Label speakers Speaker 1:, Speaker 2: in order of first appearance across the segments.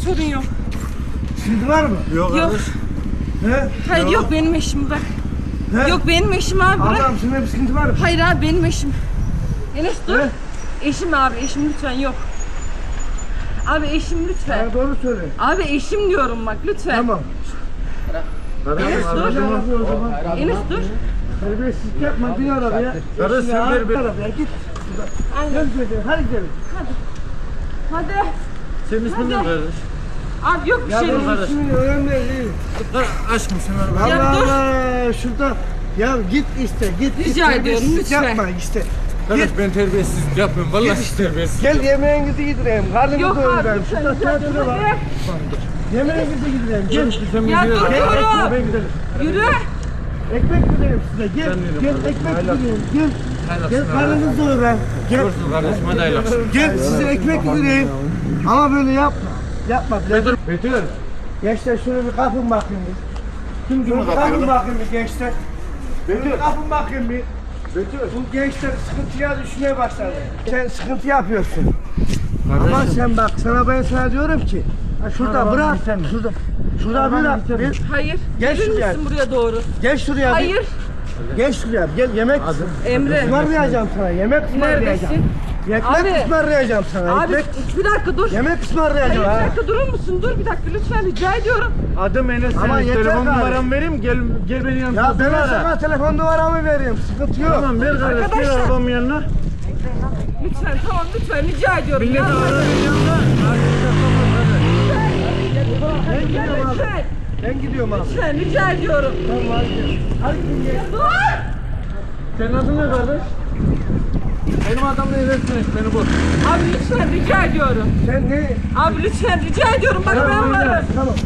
Speaker 1: sorun yok.
Speaker 2: Sıkıntı var mı?
Speaker 1: Yok.
Speaker 2: He?
Speaker 1: Hayır yok benim eşim bırak.
Speaker 2: He?
Speaker 1: Yok benim eşim abi bırak.
Speaker 2: Allah'ım senin bir sıkıntı var mı?
Speaker 1: Hayır abi benim eşim. Enes dur.
Speaker 2: He?
Speaker 1: Eşim abi eşim lütfen yok. Abi eşim lütfen.
Speaker 2: Bana doğru söyle.
Speaker 1: Abi eşim diyorum bak lütfen.
Speaker 2: Tamam.
Speaker 1: Enes dur.
Speaker 2: O zaman
Speaker 1: Enes dur.
Speaker 2: terbiyesizlik yapma, bin arabaya.
Speaker 3: Kardeş sen ver bir.
Speaker 2: Arabaya git.
Speaker 1: Aynen.
Speaker 2: Gel gidelim, hadi gidelim.
Speaker 1: Hadi.
Speaker 3: Senin ismin ne kardeş?
Speaker 1: Abi yok bir
Speaker 2: Ya
Speaker 1: şey.
Speaker 2: benim
Speaker 3: kardeş.
Speaker 2: ismim önemli değil.
Speaker 3: Aşkım sen ver.
Speaker 1: Ya
Speaker 2: Allah
Speaker 1: dur.
Speaker 2: Allah, şurada. Ya git iste, git.
Speaker 1: Rica ediyorum,
Speaker 2: terbiyesizlik
Speaker 1: lütfen.
Speaker 2: yapma işte.
Speaker 3: Kardeş ben terbiyesizlik yapmıyorum. Vallahi terbiyesiz.
Speaker 2: Gel yemeğinizi yedireyim, karnını
Speaker 1: Yok abi
Speaker 2: doyurayım.
Speaker 1: lütfen.
Speaker 2: Şurada
Speaker 1: Lütfen.
Speaker 2: tiyatro var.
Speaker 1: Hadi.
Speaker 2: Yemeğinizi yedireyim, gel.
Speaker 1: Ya dur
Speaker 2: Gel,
Speaker 1: diyorum.
Speaker 2: ekmeğe gidelim.
Speaker 1: Yürü.
Speaker 2: Ekmek vereyim size, gel. Gel, ekmek vereyim, gel. Gel, karnınızı doyurayım. Gel.
Speaker 3: Dursun kardeşim hadi hayırlı akşamlar.
Speaker 2: Gel, size ekmek vereyim. Ama böyle yapma. Yapma.
Speaker 3: Betül.
Speaker 2: Gençler şöyle bir kapın bakayım bir. Kim şöyle bir kapın bakayım bir gençler. Şöyle bir kapın bakayım bir. Bu gençler sıkıntıya düşmeye başladı. Sen sıkıntı yapıyorsun. Ama sen bak, sana diyorum ki, ha şurada bırak, şurada bir,
Speaker 1: Hayır.
Speaker 2: Gel
Speaker 1: Gelir
Speaker 2: şuraya.
Speaker 1: misin buraya doğru?
Speaker 2: gel şuraya bir,
Speaker 1: Hayır.
Speaker 2: gel şuraya, gel yemek
Speaker 1: Emre.
Speaker 2: ısmarlayacağım sana, yemek ısmarlayacağım.
Speaker 1: Neredesin?
Speaker 2: Ekmek
Speaker 1: Abi.
Speaker 2: ısmarlayacağım sana,
Speaker 1: Abi
Speaker 2: ekmek,
Speaker 1: bir dakika dur.
Speaker 2: yemek
Speaker 1: Hayır
Speaker 2: ısmarlayacağım.
Speaker 1: bir
Speaker 2: ha.
Speaker 1: dakika durur musun? Dur bir dakika lütfen rica ediyorum.
Speaker 3: Adım Enes.
Speaker 2: Ama
Speaker 3: Senin
Speaker 2: yeter
Speaker 3: telefon
Speaker 2: gari.
Speaker 3: numaramı vereyim. Gel beni yanına.
Speaker 2: Ya ben sana telefon numaramı vereyim, sıkıntı yok.
Speaker 3: Tamam ver kardeş. Gel
Speaker 1: Arkadaşlar.
Speaker 3: arabamın yanına.
Speaker 1: Lütfen tamam lütfen rica ediyorum.
Speaker 3: Millet
Speaker 1: Ya,
Speaker 3: arabanın yanına.
Speaker 1: lütfen. Lütfen.
Speaker 2: Ben gidiyorum abi.
Speaker 1: Lütfen rica ediyorum.
Speaker 2: Tamam hadi gel. Hadi gel.
Speaker 1: Dur.
Speaker 3: Senin adın ne kardeş? Benim adamla ilerisiniz beni bul.
Speaker 1: Abi lütfen rica ediyorum.
Speaker 2: Sen ne?
Speaker 1: Abi lütfen rica ediyorum. Bak ben varım.
Speaker 2: Tamam.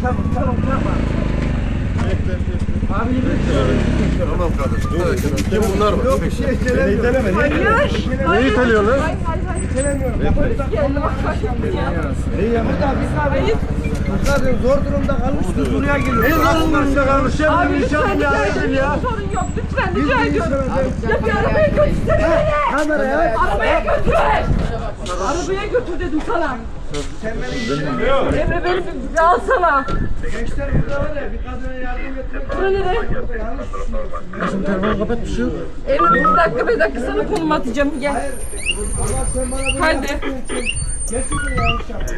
Speaker 3: Abi
Speaker 4: Tamam kardeşim. Kim bunlar mı?
Speaker 2: Yok bir şey söylemiyorum.
Speaker 1: Hayır.
Speaker 3: Neyi tanıyorlar?
Speaker 1: Hayır.
Speaker 2: Söylemiyorum.
Speaker 1: Polis geldi bak bak. Ya.
Speaker 2: Burada biz abi.
Speaker 1: Hayır.
Speaker 2: Zaten zor durumda kalmışız buraya geliyoruz.
Speaker 3: Ne zararlarında kalmış ya?
Speaker 1: Abi
Speaker 3: Bir
Speaker 1: lütfen
Speaker 3: inşallah
Speaker 1: rica
Speaker 3: ya.
Speaker 1: ediyorum.
Speaker 3: Ya.
Speaker 1: Sorun yok. Lütfen rica
Speaker 2: Biz
Speaker 1: ediyorum.
Speaker 2: bir
Speaker 1: Ya bir arabaya götürsene beni.
Speaker 2: Kameraya.
Speaker 1: Arabaya götür. Arabaya götür dedim sana. Emre beni bir alsana.
Speaker 2: Gençler burada var ya, bir kadına yardım etmek.
Speaker 1: Bura nere?
Speaker 2: Yanlış düşünüyorsun.
Speaker 3: Telefonu kapat bir şey yok.
Speaker 1: Emre bir dakika sana konum atacağım. Gel.
Speaker 2: Allah sen bana böyle
Speaker 1: Hadi.
Speaker 2: gerçekten yanlış yaptın.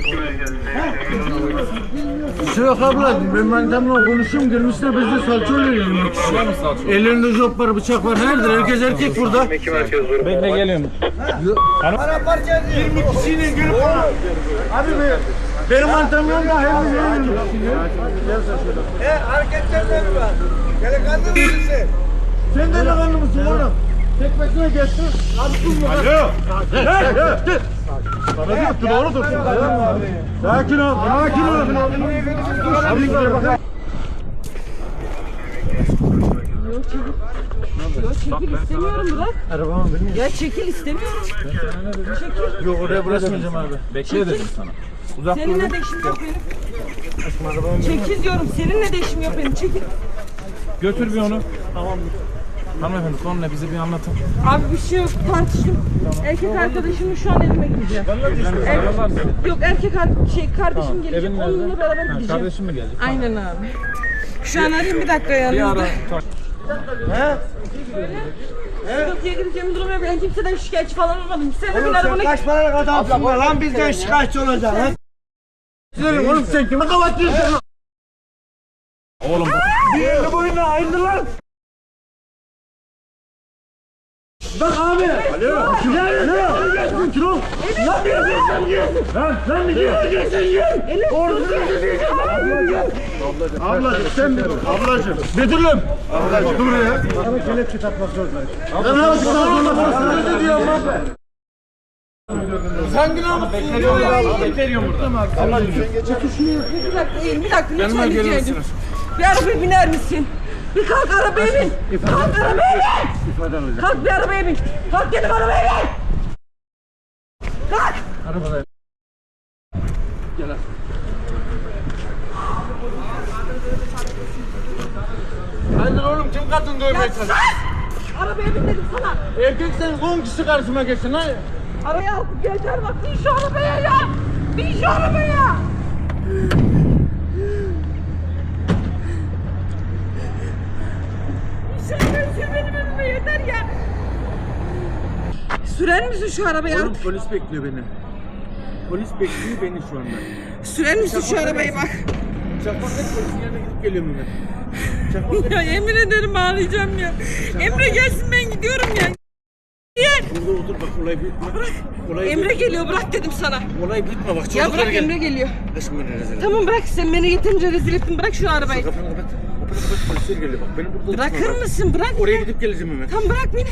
Speaker 3: Bir şey yok abla. Ben manitamla konuşuyorum. Gelmişler bizde salça oluyor yemek için. Ellerinde jop var, bıçak var. Nerede? Herkes erkek burada. Bekle geliyorum.
Speaker 2: Para parça ediyor.
Speaker 3: 20 kişiyle gelip bana. Abi benim manitam yanında her gün
Speaker 2: Hareketlerine mi var? Delikanlı mısın sen?
Speaker 3: Sen de lakanlı mısın oğlum? Tek başına geçtin. Abi dur mu? Alo. Hey. Bana diyor ki doğru dursun. Sakin ol. Sakin ol. Abi gel bakalım.
Speaker 1: Yok çekil istemiyorum bırak.
Speaker 3: Arabamı benim.
Speaker 1: Ya çekil istemiyorum. Çekil.
Speaker 3: Yok oraya bırakmayacağım abi. Bekle dedim sana. Uzak dur.
Speaker 1: Seninle de işim yok benim. Çekil diyorum. Seninle de işim yok benim. Çekil.
Speaker 3: Götür bir onu. Tamam. Hanımefendi konu ne bize bir anlatın.
Speaker 1: Abi bir şey yok. Tartıştım. Erkek arkadaşımla şu an evime gideceğim. Yok kardeşim gelecek. Onunla beraber gideceğim.
Speaker 3: Kardeşim mi gelecek?
Speaker 1: Aynen abi. Şu an arayayım bir dakika yanınızda. Sıkıntıya gireceğim durum yok. Ben kimseden şikayetçi falan olmadım. Sen de bin
Speaker 2: Oğlum sen
Speaker 1: arabana
Speaker 2: kaç paralık adamsın be lan, bizden şikayetçi olacaksın lan.
Speaker 3: Gidelim oğlum sen kime kapatıyorsun lan? Oğlum bir elini boyuna ayrıldı lan. Bak abi. Alo. Alo. Kilo. Ne yapıyorsun sen? Sen mi diyorsun? Orada ablacım sen ablacım. Betül'üm. Ablacım dur ya.
Speaker 2: Sana kelepçe takmak zorundayım.
Speaker 3: Ben ne yapayım? Ne diyorum abi? Sen günah mısın? Bekliyorum burada. Ablacım sen geç.
Speaker 1: bir dakika lütfen rica ediyorum. Bir arabaya biner misin? Bir kalk arabaya bin. Kalk arabaya bin. Kalk bir arabaya bin. Kalk dedim arabaya bin. Kalk.
Speaker 3: Arabada. Gel abi. Hayır oğlum kim kadın dövmeye
Speaker 1: Ya
Speaker 3: çalışıyor?
Speaker 1: sus. Arabaya bin dedim sana.
Speaker 3: Erkek sen 10 kişi karşıma geçsin ha.
Speaker 1: Arabaya artık yeter bak bin şu arabaya ya. Bin şu arabaya. Sür benim önüme yeter ya. Sürer misin şu arabayı?
Speaker 3: Oğlum polis bekliyor beni. Polis bekliyor beni şu anda.
Speaker 1: Sürer misin şu arabayı bak.
Speaker 3: Çakmakla polisin yanına gidip geliyorum ben.
Speaker 1: Ya yemin ederim ağlayacağım ya. Emre gelsin ben gidiyorum ya. Gel.
Speaker 3: Burada otur bak olay bitme. Olay
Speaker 1: Emre geliyor bırak dedim sana.
Speaker 3: Olay bitme bak.
Speaker 1: Ya
Speaker 3: Çocuklar
Speaker 1: bırak Emre geliyor.
Speaker 3: Aşkım beni rezil.
Speaker 1: Tamam bırak sen beni yeterince rezil ettin bırak şu arabayı.
Speaker 3: Kapını kapat. Kapını kapat polisler geliyor bak. Beni burada
Speaker 1: Bırakır
Speaker 3: tutma, bak.
Speaker 1: mısın bırak.
Speaker 3: Oraya gidip geleceğim hemen.
Speaker 1: Tam bırak beni.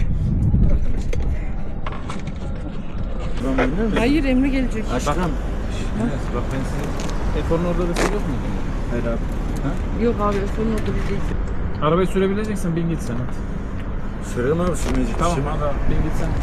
Speaker 1: Hayır Emre gelecek.
Speaker 3: Aşkım.
Speaker 5: Bak ben seni Efor'un orada da yok muydun?
Speaker 3: Hayır abi.
Speaker 1: Yok abi son orada biz değiliz.
Speaker 5: Arabayı sürebileceksen bin git sen hadi.
Speaker 3: Sürelim abi sürmeyecek.
Speaker 5: Tamam hadi bin git sen.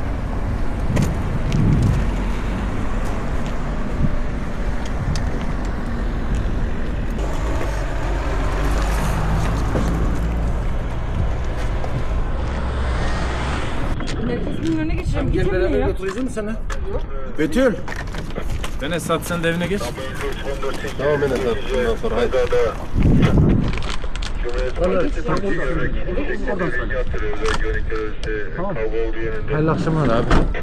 Speaker 1: Merkezin önüne geçeceğim.
Speaker 3: Gel
Speaker 1: Git
Speaker 3: beraber
Speaker 1: Emre ya.
Speaker 3: götüreceğim mi sana? Betül.
Speaker 5: Ben Esat sen de evine geç.
Speaker 4: Tamam Enes abi. Bundan sonra haydi.
Speaker 3: Hayırlı akşamlar abi.